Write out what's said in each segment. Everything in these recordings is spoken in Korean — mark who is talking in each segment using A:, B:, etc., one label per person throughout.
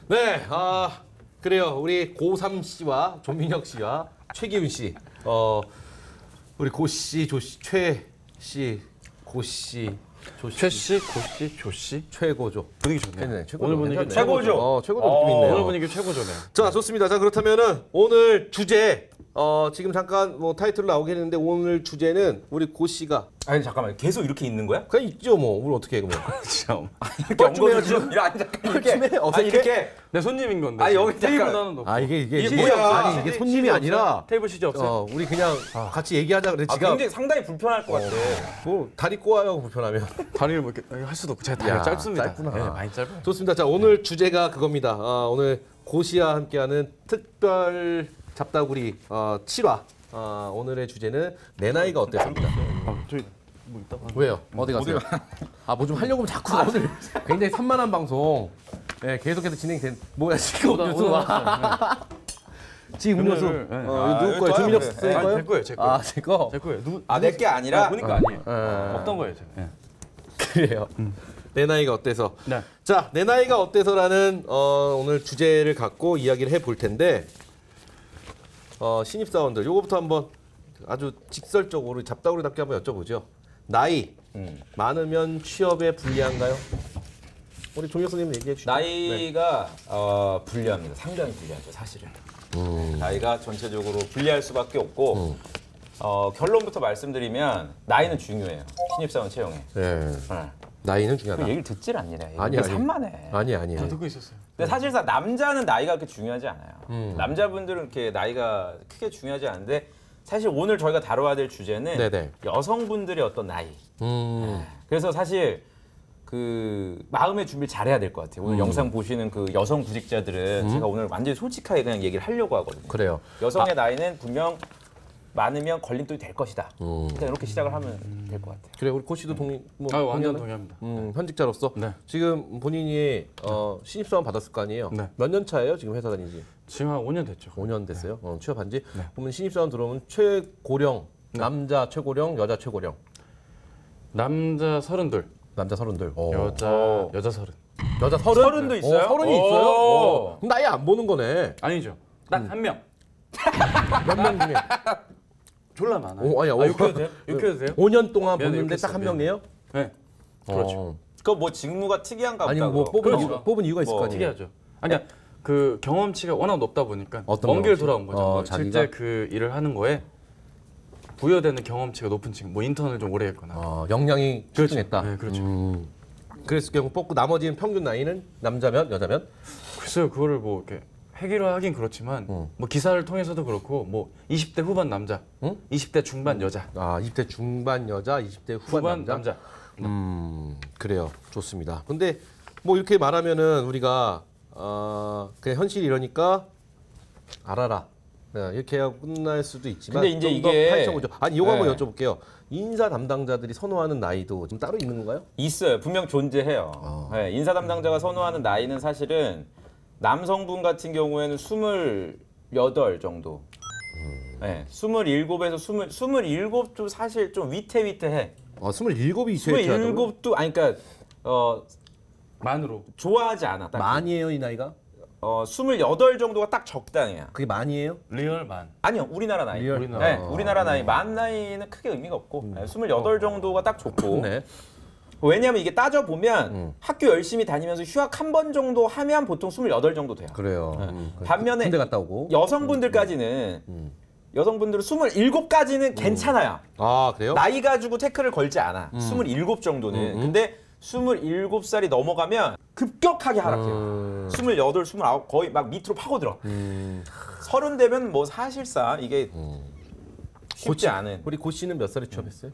A: 네, 그래요. 우리 고삼 씨와 조민혁 씨와 최기훈 씨, 우리 고 씨, 조 씨, 최 씨, 고 씨, 조 씨,
B: 최 씨, 고 씨, 조 씨.
A: 최고죠.
B: 분위기 좋네요.
A: 네, 최고죠.
B: 오늘 분위기
A: 괜찮네.
C: 최고죠.
A: 최고죠 느낌 있네요.
B: 오늘 분위기 최고죠네요.
A: 자, 좋습니다. 자, 그렇다면은 오늘 주제, 지금 잠깐 뭐 타이틀로 나오긴 했는데 오늘 주제는 우리 고 씨가
C: 아니 잠깐만 계속 이렇게 있는 거야?
A: 그냥 있죠 뭐. 우리 어떻게 해 그러면?
B: 참.
C: 이렇게
A: 좀 해야죠.
C: 아니 잠깐 이렇게
A: 좀 해. 어색해?
C: 이렇게
B: 내 손님인 건데.
C: 아, 여기
B: 테이블
C: 잠깐.
B: 하나 놓고.
A: 이게
C: 이게 뭐야?
A: 아니 이게 손님이 아니라
B: 테이블 시즈 없어요?
A: 우리 그냥 같이 얘기하자 그래. 지가
C: 굉장히 상당히 불편할 것 같아.
A: 뭐 다리 꼬아요 불편하면.
B: 다리를 뭐 이렇게 할 수도 없고 제가 다리가
A: 야,
B: 짧습니다.
A: 짧구나.
B: 네, 많이 짧아요.
A: 좋습니다. 자, 오늘 주제가 그겁니다. 오늘 고시와 함께하는 특별 잡다구리 7화. 오늘의 주제는 내 나이가 어땠습니다.
B: 저기 뭐 있다가.
A: 왜요? 어디 가세요? 뭐 좀 하려고 하면 자꾸 오늘 굉장히 산만한 방송. 네, 계속해서 진행된. 뭐야 지금 음료수 와. 지금 음료수.
B: 네.
A: 누구 거예요? 조민혁 씨
B: 아니,
A: 거예요?
B: 제 거예요, 제 거예요.
A: 제 거.
B: 제 거예요. 누구?
C: 내게 아니라
B: 보니까 아니에요.
A: 네.
B: 없던 거예요, 제가. 네.
A: 그래요. 내 나이가 어때서?
B: 네.
A: 자, 내 나이가 어때서라는 오늘 주제를 갖고 이야기를 해볼 텐데 신입사원들 요거부터 한번 아주 직설적으로 잡다구리답게 한번 여쭤보죠. 나이 많으면 취업에 불리한가요? 우리 종혁 선생님 얘기해 주시죠.
C: 나이가 불리합니다. 상당히 불리하죠, 사실은. 나이가 전체적으로 불리할 수밖에 없고 결론부터 말씀드리면 나이는 중요해요. 신입사원 채용에.
A: 네.
C: 네.
A: 나이는
C: 그
A: 중요하다.
C: 얘기를 듣질 않니네.
A: 아니.
C: 산만해.
A: 아니.
B: 저 듣고 있었어요.
C: 근데 사실상 남자는 나이가 그렇게 중요하지 않아요. 남자분들은 이렇게 나이가 크게 중요하지 않은데 사실 오늘 저희가 다뤄야 될 주제는
A: 네네.
C: 여성분들의 어떤 나이. 그래서 사실 그 마음의 준비를 잘해야 될 것 같아요. 오늘 영상 보시는 그 여성 구직자들은 제가 오늘 완전히 솔직하게 그냥 얘기를 하려고 하거든요.
A: 그래요.
C: 여성의 나이는 분명 많으면 걸림돌이 될 것이다. 일단 이렇게 시작을 하면 될 것 같아요.
A: 그래 우리 코 씨도
B: 완전 동의합니다.
A: 현직자로서
B: 네.
A: 지금 본인이 신입사원 받았을 거 아니에요?
B: 네.
A: 몇 년 차예요? 지금 회사 다니지?
B: 지금 한 5년 됐죠.
A: 5년 됐어요. 취업한 지. 그러면 신입사원 들어오면 최고령 남자 최고령, 여자 최고령.
B: 남자 32,
A: 남자 32.
B: 여자 30.
A: 여자 30?
C: 30도 있어요?
A: 30이 있어요. 그럼 나이 안 보는 거네.
B: 아니죠. 딱 한 명.
A: 몇 명 중에.
B: 졸라 많아요. 욕해도 돼요? 욕해도 돼요?
A: 5년 동안
B: 미안해,
A: 보는데 딱 한
B: 욕했어,
A: 명이에요?
B: 네. 그렇죠.
C: 그 뭐 직무가 특이한가 보다.
A: 아니 뭐
C: 그럼.
A: 뽑은 이유가 있을
C: 뭐
A: 거 아니에요?
B: 특이하죠. 아니야 그 경험치가 워낙 높다 보니까
A: 어떤
B: 먼 길
A: 경험치?
B: 돌아온 거죠. 뭐
A: 자기가?
B: 실제 그 일을 하는 거에 부여되는 경험치가 높은 친구, 뭐 인턴을 좀 오래 했거나.
A: 역량이
B: 그렇죠.
A: 출중했다.
B: 네, 그렇죠.
A: 그랬을 경우 뽑고 나머지는 평균 나이는 남자면 여자면?
B: 글쎄요, 그거를 뭐 이렇게 해결하긴 그렇지만 뭐 기사를 통해서도 그렇고 뭐 20대 후반 남자, 20대 중반 여자,
A: 20대 중반 여자, 20대 후반 남자. 그래요. 좋습니다. 근데 뭐 이렇게 말하면은 우리가 그냥 현실이 이러니까 알아라. 네, 이렇게 하고 끝날 수도 있지만
C: 근데 이제
A: 좀더
C: 이게-
A: 파헤쳐보죠. 아니 이거 한번
C: 네.
A: 여쭤볼게요. 인사 담당자들이 선호하는 나이도 좀 따로 있는 건가요?
C: 있어요. 분명 존재해요. 네, 인사 담당자가 선호하는 나이는 사실은 남성분 같은 경우에는 28 정도. 네, 27에서 27도 사실 좀 위태위태해.
A: 27이 있어야
C: 27도 아니 그러니까
B: 만으로.
C: 좋아하지 않아. 딱.
A: 많이에요 이 나이가?
C: 28 정도가 딱 적당해요.
A: 그게 많이에요?
B: 리얼 만.
C: 아니요, 우리나라 나이.
A: 리얼?
B: 우리나라.
C: 네, 우리나라 나이. 만 나이는 크게 의미가 없고 28 정도가 딱 좋고.
A: 네.
C: 왜냐하면 이게 따져 보면 학교 열심히 다니면서 휴학 한 번 정도 하면 보통 28 정도 돼요.
A: 그래요.
C: 반면에
A: 군대 갔다 오고.
C: 여성분들까지는 여성분들은 27까지는 괜찮아요.
A: 그래요?
C: 나이 가지고 태클을 걸지 않아. 27 정도는. 근데 27살이 넘어가면 급격하게 하락해요. 28, 29 거의 막 밑으로 파고들어. 30 되면 뭐 사실상 이게 쉽지 않은.
A: 우리 고 씨는 몇 살에 취업했어요?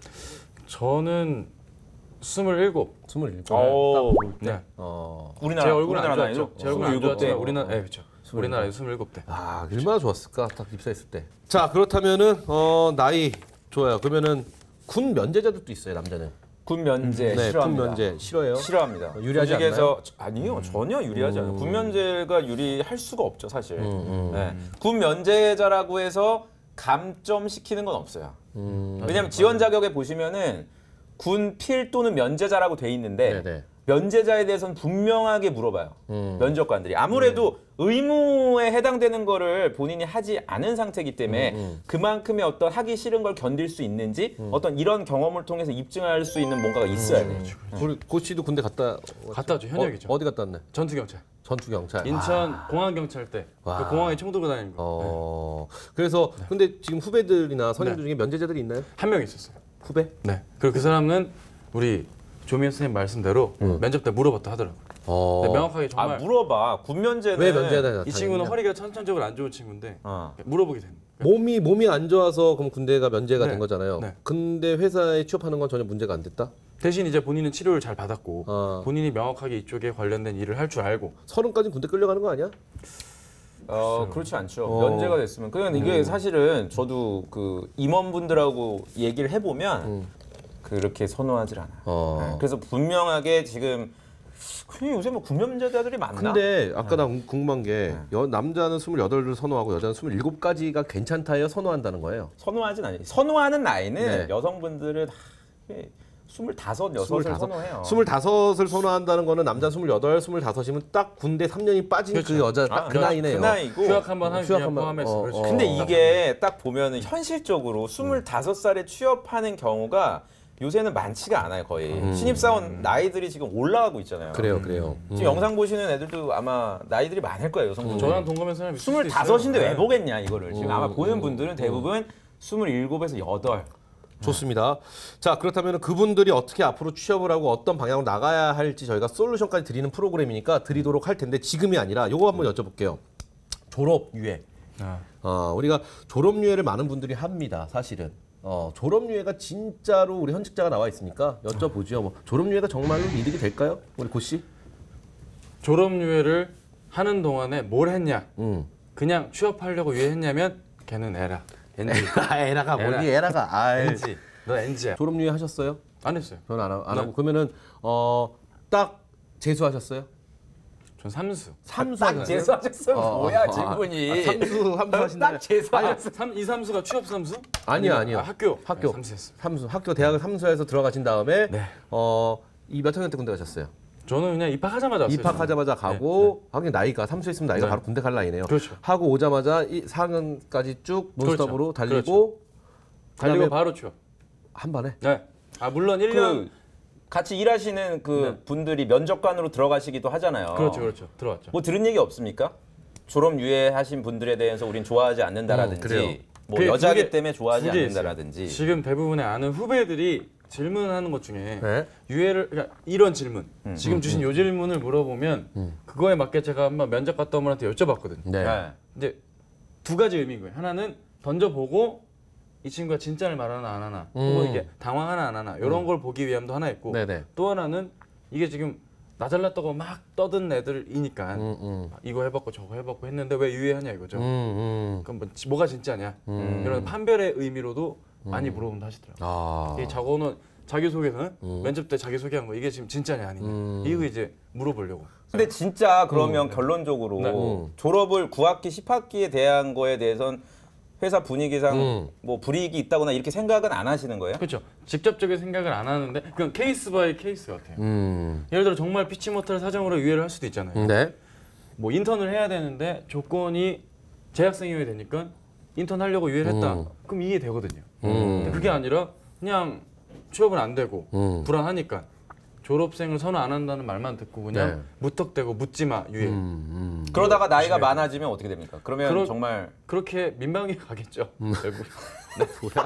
B: 저는 27.
A: 27.
C: 오.
B: 네.
C: 우리나라
B: 제 얼굴은
C: 우리나라
B: 안
C: 나이로
B: 좋았죠. 제 얼굴은 안
C: 27대.
B: 좋았지만 우리나라, 네, 그렇죠. 우리나라에 27대.
A: 얼마나 좋았을까 딱 입사했을 때. 자 그렇다면은 나이 좋아요. 그러면은 군 면제자들도 있어요 남자는.
C: 군 면제
A: 네,
C: 싫어합니다.
A: 군 면제 싫어요.
C: 싫어합니다.
A: 유리하지
C: 조직에서 아니요 전혀 유리하지 않아요. 군 면제가 유리할 수가 없죠 사실. 네. 군 면제자라고 해서 감점시키는 건 없어요. 왜냐하면 지원 자격에 보시면은 군 필 또는 면제자라고 돼 있는데
A: 네네.
C: 면제자에 대해서는 분명하게 물어봐요. 면접관들이. 아무래도 의무에 해당되는 거를 본인이 하지 않은 상태이기 때문에 그만큼의 어떤 하기 싫은 걸 견딜 수 있는지 어떤 이런 경험을 통해서 입증할 수 있는 뭔가가 있어야 돼요.
A: 우리 고 씨도 군대 갔다
B: 왔죠. 현역이죠.
A: 어디 갔다 왔네?
B: 전투경찰.
A: 전투경찰.
B: 인천 공항경찰 때 그 공항에 총 들고 다니는 거.
A: 그래서 근데 지금 후배들이나 선임들 중에 면제자들이 있나요?
B: 한 명 있었어요.
A: 후배?
B: 네. 그리고 그 사람은 우리 조미연 선생님 말씀대로 면접 때 물어봤다 하더라고요. 근데 명확하게 정말
C: 물어봐. 군면제는
A: 왜 면제자?
B: 이 친구는 허리가 천천적으로 안 좋은 친구인데 물어보게 됩니다.
A: 몸이 안 좋아서 그럼 군대가 면제가 된 거잖아요.
B: 네.
A: 근데 회사에 취업하는 건 전혀 문제가 안 됐다?
B: 대신 이제 본인은 치료를 잘 받았고 본인이 명확하게 이쪽에 관련된 일을 할 줄 알고
A: 30까지 군대 끌려가는 거 아니야?
C: 그렇지 않죠. 면제가 됐으면. 그냥 이게 사실은 저도 그 임원분들하고 얘기를 해보면 그렇게 선호하질 않아요. 네. 그래서 분명하게 지금 요새 뭐 군면제자들이 많나?
A: 근데 아까 나 궁금한 게 남자는 28을 선호하고 여자는 27까지가 괜찮다예요? 선호한다는 거예요?
C: 선호하진 않아요. 선호하는 나이는
A: 네.
C: 여성분들은 25, 6을 선호해요.
A: 25을 선호한다는 거는 남자 28, 25이면 딱 군대 3년이 빠진
B: 그렇죠.
A: 그 여자 딱 그 나이네요.
C: 그 나이고.
B: 휴학 한번 하기
A: 휴학 한번,
B: 포함해서 그렇죠.
C: 근데 이게 딱 보면은 현실적으로 25살에 취업하는 경우가 요새는 많지가 않아요, 거의. 신입사원 나이들이 지금 올라가고 있잖아요.
A: 그래요.
C: 지금 영상 보시는 애들도 아마 나이들이 많을 거예요, 여성분들.
B: 저랑 동갑인 사람이 있을 수도 있어요.
C: 25인데 왜 보겠냐, 이거를. 지금 아마 보는 분들은 대부분 27에서 8.
A: 좋습니다. 자, 그렇다면 그분들이 어떻게 앞으로 취업을 하고 어떤 방향으로 나가야 할지 저희가 솔루션까지 드리는 프로그램이니까 드리도록 할 텐데 지금이 아니라 요거 한번 여쭤볼게요. 졸업 유예. 우리가 졸업 유예를 많은 분들이 합니다. 사실은. 졸업 유예가 진짜로 우리 현직자가 나와 있으니까 여쭤보죠. 뭐 졸업 유예가 정말로 이득이 될까요? 우리 고 씨?
B: 졸업 유예를 하는 동안에 뭘 했냐? 그냥 취업하려고 유예했냐면 걔는 에라. NG.
A: 에라가 뭐니? 에라가.
B: NG. 너 NG야.
A: 졸업 유예 하셨어요?
B: 안 했어요.
A: 저는 안 하고 그러면은 딱 재수하셨어요?
B: 전 삼수.
C: 딱 재수하셨어요? 뭐야, 질문이.
A: 삼수 하신다.
C: 딱 재수하셨어요?
B: 이 삼수가 취업 삼수?
A: 아니요.
B: 학교.
A: 학교.
B: 네, 삼수였습니다.
A: 삼수. 학교 대학을 삼수해서 들어가신 다음에
B: 네.
A: 이 몇 학년 때 군대 가셨어요?
B: 저는 그냥 입학하자마자 왔어요.
A: 입학하자마자 가고 하긴 나이가 삼수했으면 나이가 바로 군대 갈 나이네요.
B: 그렇죠.
A: 하고 오자마자 4학년까지 쭉 논스톱으로 달리고
B: 달리고
A: 그다음에
B: 바로 취업.
A: 한 번에.
B: 네. 물론 1년
C: 같이 일하시는 그 분들이 면접관으로 들어가시기도 하잖아요.
B: 그렇죠. 들어왔죠.
C: 뭐 들은 얘기 없습니까? 졸업 유예하신 분들에 대해서 우린 좋아하지 않는다라든지
A: 그래요.
C: 뭐
B: 그게
C: 여자기
B: 두 개-
C: 때문에 좋아하지
B: 두개
C: 않는다라든지.
B: 지금 대부분의 아는 후배들이 질문하는 것 중에
A: 네.
B: 유예를 그러니까 이런 질문 지금 주신 요 질문을 물어보면 그거에 맞게 제가 한번 면접 갔다 온 분한테 여쭤봤거든요.
A: 네.
C: 네.
B: 이제 두 가지 의미인 거예요. 하나는 던져보고 이 친구가 진짜를 말하나 안 하나 혹은 이게 당황하나 안 하나 이런 걸 보기 위함도 하나 있고
A: 네네.
B: 또 하나는 이게 지금 나 잘났다고 막 떠든 애들이니까 이거 해봤고 저거 해봤고 했는데 왜 유예하냐 이거죠. 그럼 뭐가 진짜냐 이런 판별의 의미로도 많이 물어본다 하시더라고요. 이 저거는 자기소개는 면접 때 자기소개한 거 이게 지금 진짜냐 아니냐 이거 이제 물어보려고.
C: 근데 진짜 그러면 결론적으로
B: 네.
C: 졸업을 9학기, 10학기에 대한 거에 대해선 회사 분위기상 뭐 불이익이 있다거나 이렇게 생각은 안 하시는 거예요?
B: 그렇죠. 직접적인 생각을 안 하는데 그냥 케이스 바이 케이스 같아요. 예를 들어 정말 피치 못할 사정으로 유예를 할 수도 있잖아요.
A: 네.
B: 뭐 인턴을 해야 되는데 조건이 재학생이어야 되니까 인턴 하려고 유예를 했다. 그럼 이해되거든요. 근데 그게 아니라 그냥 취업은 안 되고 불안하니까 졸업생을 선호 안 한다는 말만 듣고 그냥
A: 네.
B: 무턱대고 묻지 마 유예.
C: 그러다가 나이가 많아지면 어떻게 됩니까? 그러면 정말
B: 그렇게 민방위 가겠죠. 결국. 네.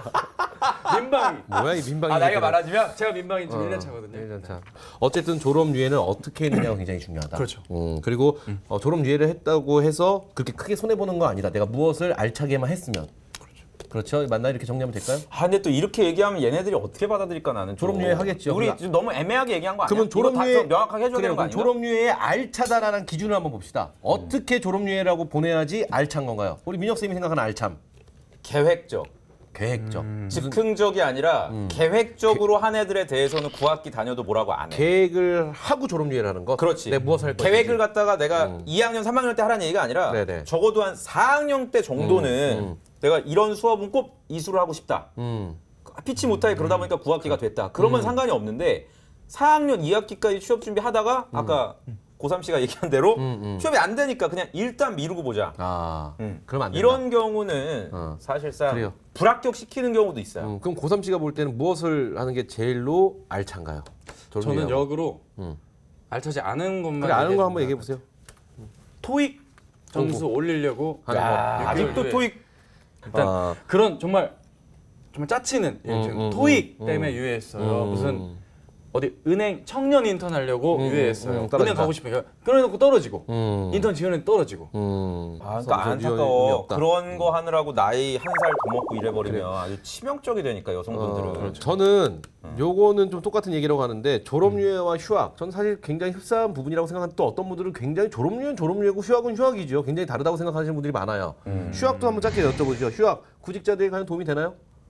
B: 민방위.
A: 뭐야 이 민방위.
C: 나이가
A: 얘기는.
C: 많아지면
B: 제가 민방위 지금 1년 차거든요.
A: 1년 차. 어쨌든 졸업 유예는 어떻게 했느냐가 굉장히 중요하다.
B: 그렇죠.
A: 그리고 졸업 유예를 했다고 해서 그렇게 크게 손해 보는 거 아니다. 내가 무엇을 알차게만 했으면. 그렇죠. 맞나 이렇게 정리하면 될까요?
C: 근데 또 이렇게 얘기하면 얘네들이 어떻게 받아들일까 나는.
A: 졸업 유예 하겠죠.
C: 우리
A: 그러니까.
C: 지금 너무 애매하게 얘기한 거 아니야?
A: 그러면 졸업
C: 이거 다
A: 유예
C: 좀 명확하게 해줘야 되는 거 아니야?
A: 졸업 유예의 알차다라는 기준을 한번 봅시다. 어떻게 졸업 유예라고 보내야지 알찬 건가요? 우리 민혁 쌤이 생각하는 알참.
C: 계획적.
A: 계획적.
C: 즉흥적이 아니라 계획적으로 한 애들에 대해서는 9학기 다녀도 뭐라고 안 해.
A: 계획을 하고 졸업 유예를 하는 거.
C: 그렇지.
A: 내가 무엇을 할
C: 계획을 갖다가 내가 2학년, 3학년 때 하라는 얘기가 아니라
A: 네네.
C: 적어도 한 4학년 때 정도는 내가 이런 수업은 꼭 이수를 하고 싶다. 피치 못하게 그러다 보니까 9학기가 됐다. 그러면 상관이 없는데 4학년 2학기까지 취업 준비하다가 아까 고3 씨가 얘기한 대로 취업이 안 되니까 그냥 일단 미루고 보자.
A: 그러면 안 된다.
C: 이런 경우는 사실상
A: 그래요.
C: 불합격시키는 경우도 있어요.
A: 그럼 고3 씨가 볼 때는 무엇을 하는 게 제일로 알찬가요?
B: 저는 역으로 알차지 않은 것만
A: 그래, 아는 거 한번
B: 얘기해
A: 얘기해 보세요.
B: 토익 점수 올리려고
A: 하는 거.
C: 아직도
B: 후에
C: 토익
B: 일단 그런 정말 짜치는 토익 때문에 유예했어요. 무슨 어디 은행 청년 인턴 하려고 유예했어요. 은행 가고 싶으니까 그래놓고 떨어지고 인턴 지원에 떨어지고.
C: 그러니까 안타까워. 그런 거 하느라고 나이 한 살 더 먹고 이래버리면 아주 치명적이 되니까 여성분들은.
A: 그렇죠. 저는 요거는 좀 똑같은 얘기라고 하는데 졸업유예와 휴학, 저는 사실 굉장히 흡사한 부분이라고 생각하는 또 어떤 분들은 굉장히 졸업유예는 졸업유예고 휴학은 휴학이죠. 굉장히 다르다고 생각하시는 분들이 많아요. 휴학도 한번 짧게 여쭤보죠. 휴학 구직자들이 과연 도움이 되나요?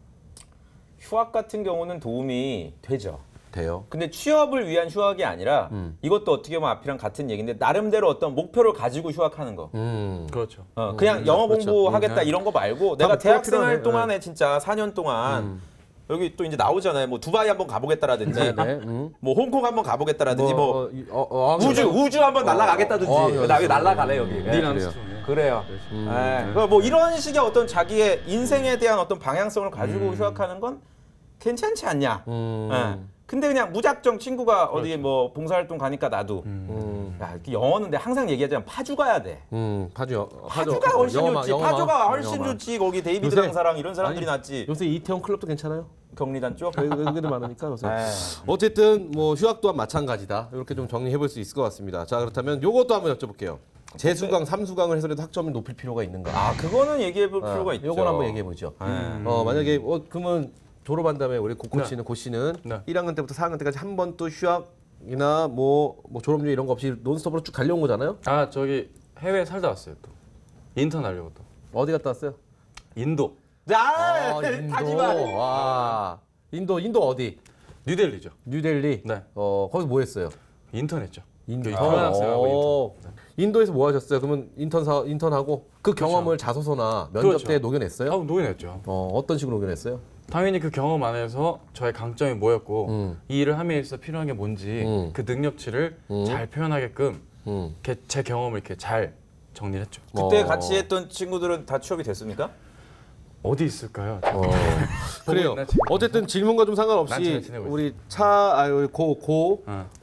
C: 휴학 같은 경우는 도움이 되죠.
A: 돼요.
C: 근데 취업을 위한 휴학이 아니라 이것도 어떻게 보면 앞이랑 같은 얘기인데 나름대로 어떤 목표를 가지고 휴학하는 거.
B: 그렇죠.
C: 그냥 영어
A: 그렇죠.
C: 공부하겠다 이런 거 말고 내가
A: 목표가
C: 대학생활
A: 필요하네.
C: 동안에 진짜 4년 동안 여기 또 이제 나오잖아요. 뭐 두바이 한번 가보겠다라든지, 뭐 홍콩 한번 가보겠다라든지, 뭐 우주 한번 날아가겠다든지. 나 여기 날아가래 여기.
B: 닐 암스트롱.
C: 그래요. 뭐 이런 식의 어떤 자기의 인생에 대한 어떤 방향성을 가지고 휴학하는 건 괜찮지 않냐. 근데 그냥 무작정 친구가 어디 뭐 봉사활동 가니까 나도. 야, 이렇게 영어는 내가 항상 얘기하자면 파주 가야 돼. 파주가 훨씬 좋지. 파주가 훨씬 좋지. 거기 데이비드 강사랑 이런 사람들이 낫지.
A: 요새 이태원 클럽도 괜찮아요?
C: 경리단 쪽.
A: 외국인들 많으니까. 그래서 어쨌든 뭐 휴학 또한 마찬가지다. 이렇게 좀 정리해 볼 수 있을 것 같습니다. 자, 그렇다면 요것도 한번 여쭤볼게요. 재수강, 삼수강을 해서라도 학점을 높일 필요가 있는가?
C: 그거는 얘기해 볼 필요가 있죠.
A: 요건 한번 얘기해 보죠. 만약에 그러면 졸업한 다음에 우리 고 씨는 네. 1학년 때부터 4학년 때까지 한 번 또 휴학이나 뭐 졸업유예 이런 거 없이 논스톱으로 쭉 달려온 거잖아요?
B: 저기 해외 살다 왔어요 또. 인턴 하려고 또.
A: 어디 갔다 왔어요?
B: 인도.
A: 인도. 와. 인도 어디?
B: 뉴델리죠.
A: 뉴델리.
B: 네.
A: 거기서 뭐 했어요?
B: 인턴 했죠.
A: 인턴.
B: 교환학생하고 인턴.
A: 인도에서 뭐 하셨어요? 그러면 인턴하고 그 경험을 자소서나 면접 때 녹여냈어요?
B: 녹여냈죠.
A: 어떤 식으로 녹여냈어요?
B: 당연히 그 경험 안에서 저의 강점이 뭐였고 이 일을 함에 있어 필요한 게 뭔지 그 능력치를 잘 표현하게끔 제 경험을 이렇게 잘 정리를 했죠.
C: 그때 같이 했던 친구들은 다 취업이 됐습니까?
B: 어디 있을까요?
A: 그래요. 어쨌든 질문과 좀 상관없이 우리 고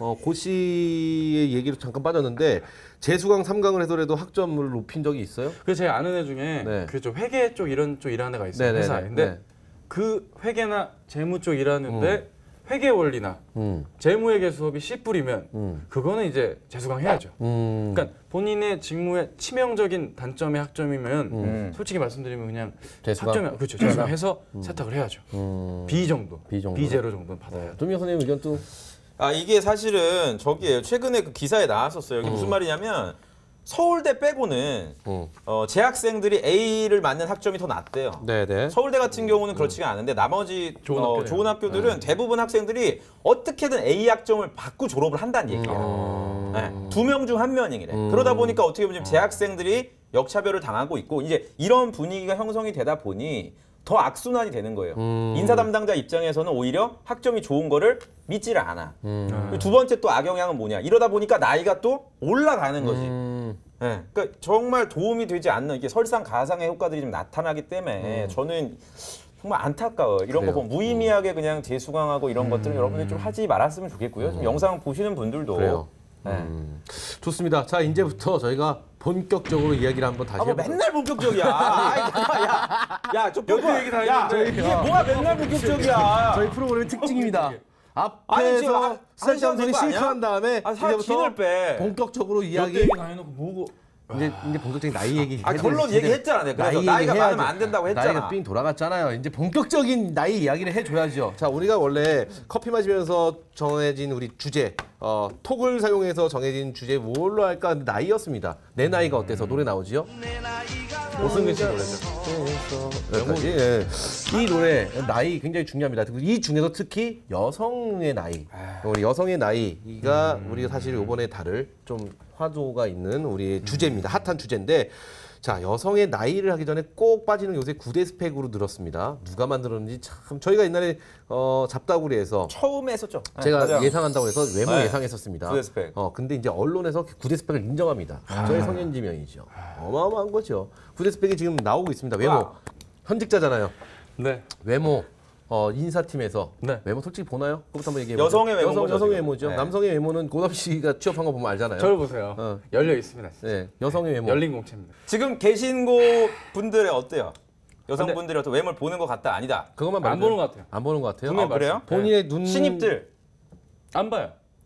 A: 씨의 얘기로 잠깐 빠졌는데 재수강 3강을 해서라도 학점을 높인 적이 있어요?
B: 그 제 아는 애 중에
A: 네.
B: 그 좀 회계 쪽 이런 쪽 일하는 애가 있어요.
A: 네네네.
B: 회사에. 근데 그 회계나 재무 쪽 일하는데 회계 원리나 재무회계 수업이 C뿔이면 그거는 이제 재수강 해야죠. 그러니까 본인의 직무의 치명적인 단점의 학점이면 솔직히 말씀드리면 그냥
A: 재수강?
B: 학점이 그렇죠. 재수강해서 세탁을 해야죠. B 정도, B0 정도는 받아야.
A: 조미영 선생님 의견 또
C: 이게 사실은 저기예요. 최근에 그 기사에 나왔었어요. 이게 무슨 말이냐면 서울대 빼고는 재학생들이 A를 맞는 학점이 더 낮대요.
A: 네네.
C: 서울대 같은 경우는 그렇지가 않은데 나머지 좋은 학교들은 대부분 학생들이 어떻게든 A 학점을 받고 졸업을 한다는 얘기예요. 2명 중 1명이래. 그러다 보니까 어떻게 보면 지금 재학생들이 역차별을 당하고 있고 이제 이런 분위기가 형성이 되다 보니 더 악순환이 되는 거예요. 인사 담당자 입장에서는 오히려 학점이 좋은 거를 믿지를 않아. 두 번째 또 악영향은 뭐냐. 이러다 보니까 나이가 또 올라가는 거지. 그러니까 정말 도움이 되지 않는 이게 설상가상의 효과들이 좀 나타나기 때문에 저는 정말 안타까워요. 이런 거 보면 무의미하게 그냥 재수강하고 이런 것들은 여러분들이 좀 하지 말았으면 좋겠고요. 좀 영상 보시는 분들도.
A: 그래요. 좋습니다. 자, 이제부터 저희가 본격적으로 이야기를 한번 다시 해보죠.
C: 맨날 본격적이야. 야, 저
B: 여기 얘기 다 했는데.
C: 이게 뭐가 맨날 본격적이야.
A: 저희 프로그램의 특징입니다.
C: 아니, 지금
A: 앞에서 쓸데없는 소리 실컷 한 다음에
C: 진을 빼.
A: 본격적으로 이야기.
B: 얘기 다 해놓고 뭐고.
A: 이제 본격적인 나이 얘기.
C: 결론 얘기했잖아. 내가. 그래서 나이가 많으면 안 된다고 했잖아.
A: 나이가 삥 돌아갔잖아요. 이제 본격적인 나이 이야기를 해줘야죠. 자, 우리가 원래 커피 마시면서 정해진 우리 주제, 톡을 사용해서 정해진 주제 뭘로 할까? 근데 나이였습니다. 내 나이가 어때서 노래 나오지요?
B: 오승근 씨 노래죠.
A: 여기까지. 예. 이 노래 나이 굉장히 중요합니다. 이 중에서 특히 여성의 나이, 우리 여성의 나이가 우리가 사실 이번에 다룰 좀 화두가 있는 우리 주제입니다. 핫한 주제인데 자, 여성의 나이를 하기 전에 꼭 빠지는 요새 9대 스펙으로 늘었습니다. 누가 만들었는지 참 저희가 옛날에 잡다구리에서
C: 처음에 했었죠.
A: 제가
C: 맞아요.
A: 예상한다고 해서 외모
C: 네.
A: 예상했었습니다.
C: 9대 스펙.
A: 근데 이제 언론에서 9대 스펙을 인정합니다. 저의 성현지명이죠. 어마어마한 거죠. 9대 스펙이 지금 나오고 있습니다. 외모.
C: 와.
A: 현직자잖아요.
B: 네.
A: 외모. 인사팀에서
B: 네.
A: 외모 솔직히 보나요? 그것부터 한번 얘기해
C: 여성의 외모인 거죠,
A: 여성의
C: 지금.
A: 외모죠.
C: 네.
A: 남성의 외모는 고담 씨가 취업한 거 보면 알잖아요.
B: 저를 보세요. 열려 있습니다. 진짜.
A: 네, 여성의 외모.
B: 열린 공채입니다.
C: 지금 계신 곳 분들의 어때요? 여성분들이 어떤 외모를 보는 것 같다 아니다.
A: 그것만
B: 안 보는 것 같아요.
A: 안 보는 것 같아요.
B: 분명히
C: 그래요?
A: 본인의 눈
C: 신입들.
B: 안 봐요.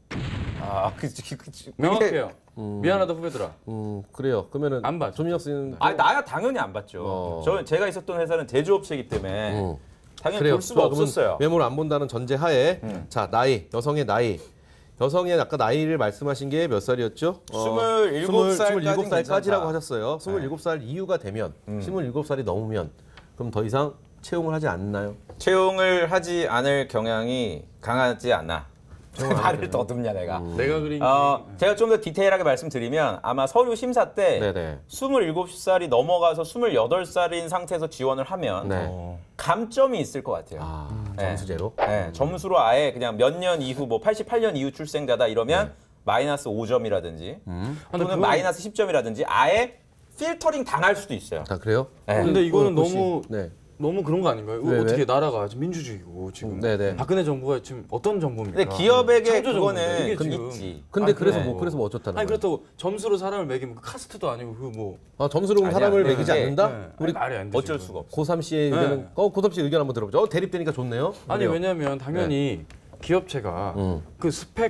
C: 그게
B: 명확해요. 미안하다 후배들아.
A: 그래요. 그러면은
B: 안 봐죠.
A: 조민혁 씨는
C: 나야 당연히 안 봤죠. 제가 있었던 회사는 제조업체이기 때문에 당연히
A: 그래요.
C: 볼 수가
A: 좋아, 그러면
C: 없었어요.
A: 외모를 안 본다는 전제하에 자 나이 여성의 나이 여성의 아까 나이를 말씀하신 게 몇 살이었죠?
C: 27살까지는
A: 27살까지라고 하셨어요. 27살 이후가 되면 27살이 넘으면 그럼 더 이상 채용을 하지 않나요?
C: 채용을 하지 않을 경향이 강하지 않아. 말을 더듬냐 내가.
B: 내가 그린
C: 제가 좀 더 디테일하게 말씀드리면 아마 서류 심사 때
A: 네네.
C: 27살이 넘어가서 28살인 상태에서 지원을 하면
A: 네.
C: 감점이 있을 것 같아요.
A: 점수제로.
C: 네, 점수로 아예 그냥 몇 년 이후 뭐 88년 이후 출생자다 이러면 마이너스 5점이라든지 또는
B: 그건-
C: 마이너스 10점이라든지 아예 필터링 당할 수도 있어요.
A: 자 그래요?
C: 네.
B: 근데 이거는
A: 혹시-
B: 너무
A: 네.
B: 너무 그런 거 아닌가요?
A: 왜?
B: 어떻게 나라가 지금 민주주의고 지금
A: 네네.
B: 박근혜 정부가 지금 어떤 정부입니까?
C: 근데 기업에게
B: 창조 정부인데
C: 그거는
B: 이게 지금
C: 있지.
A: 근데
B: 아니,
A: 그래서
B: 그래.
A: 뭐 그래서 뭐 어쩌다는
B: 아니
A: 거예요?
B: 그렇다고 점수로 사람을 매기면 그 카스트도 아니고 그 뭐
A: 점수로
C: 아니야.
A: 사람을
C: 네,
A: 매기지
C: 네.
A: 않는다?
B: 네.
A: 우리
B: 아니, 말이 안 되죠.
C: 어쩔 수가 없어.
A: 고삼 씨의
B: 네.
A: 의견은 고삼 씨 의견 한번 들어보죠. 대립되니까 좋네요.
B: 아니
A: 그래요.
B: 왜냐면 당연히 기업체가 그 스펙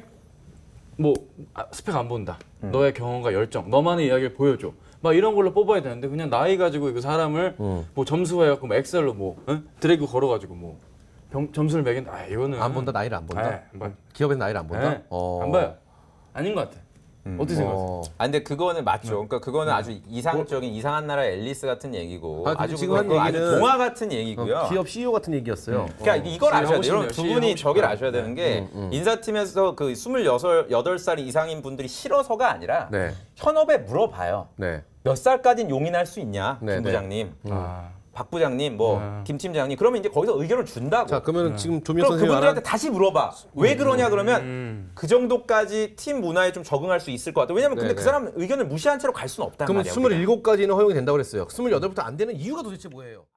B: 스펙 안 본다. 너의 경험과 열정, 너만의 이야기를 보여줘. 막 이런 걸로 뽑아야 되는데 그냥 나이 가지고 그 사람을 뭐 점수해갖고 뭐 엑셀로 드래그 걸어가지고 점수를 매긴다. 아 이거는
A: 안 본다 나이를 안 본다.
B: 네, 안 봐요.
A: 기업에서 나이를 안 본다.
B: 네, 안 봐요. 아닌 것 같아. 어떻게 생각하세요?
C: 근데 그거는 맞죠. 그러니까 그거는 아주 이상적인 이상한 나라의 앨리스 같은 얘기고
A: 근데
C: 아주
A: 지금 한
C: 그거 아주
A: 얘기는
C: 동화 같은 얘기고요.
A: 기업 CEO 같은 얘기였어요.
C: 그러니까 이걸
B: 하고
C: 아셔야 돼요.
B: 싶네요.
C: 여러분 두
B: 하고
C: 분이
B: 싶어요.
C: 저기를 아셔야 되는 게 인사팀에서 그 28살 이상인 분들이 싫어서가 아니라
A: 네.
C: 현업에 물어봐요.
A: 네.
C: 몇 살까지는 용인할 수 있냐,
A: 네,
C: 김
A: 네.
C: 부장님,
B: 아,
C: 박 부장님, 김 팀장님. 그러면 이제 거기서 의견을 준다고.
A: 자 그러면 지금 조민혁
C: 그럼
A: 선생님이
C: 그분들한테 다시 물어봐. 왜 그러냐 그러면 그 정도까지 팀 문화에 좀 적응할 수 있을 것 같아. 왜냐면 근데
A: 네네.
C: 그 사람 의견을 무시한 채로 갈 수는 없단
A: 그러면
C: 말이야. 우리가.
A: 27까지는 허용이 된다고 그랬어요. 28부터 안 되는 이유가 도대체 뭐예요?